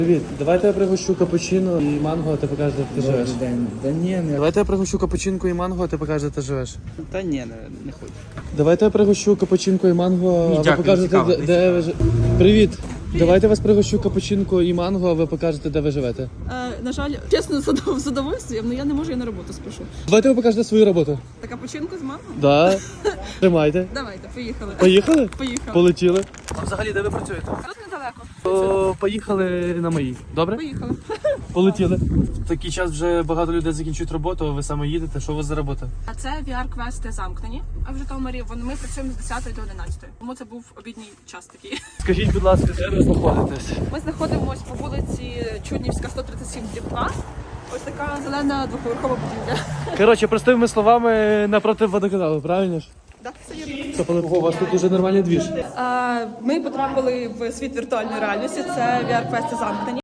Привіт, давайте я пригощу капучино і манго, а ти покажеш, де ти живеш. Да ні, не. Давайте я пригощу капучинку і манго, а ти покажеш, де ти живеш. Та ні, не хочу. Давайте я пригощу капучинку і манго, а ви дякую, покажете, цікаво, де ви живете. Привіт! Давайте я вас пригощу капучинку і манго, а ви покажете, де ви живете. На жаль, чесно, з задовольствием, але я не можу, я на роботу спішу. Давайте ви покажете свою роботу. Така починку з мамою? Да. Тримайте. Давайте, поїхали. Поїхали? Поїхали. Полетіли. А взагалі, де ви працюєте? Тут недалеко. Поїхали на мої. Добре? Поїхали. Полетіли. В такий час вже багато людей закінчують роботу, а ви саме їдете. Що у вас за робота? А це VR-квести замкнені. А в Житомирі ми працюємо з 10 до 11. Тому це був обідній час такий. Скажіть, будь ласка, де ви знаходитесь? Ми знаходимося по вулиці Чуднівська, 137/2. Ось така зелена двоповерхова будівля. Коротше, простими словами, напроти водоканалу, правильно ж? Так, це є. Ого, у вас тут уже нормальний двіж. Ми потрапили в світ віртуальної реальності. Це VR-квести замкнені.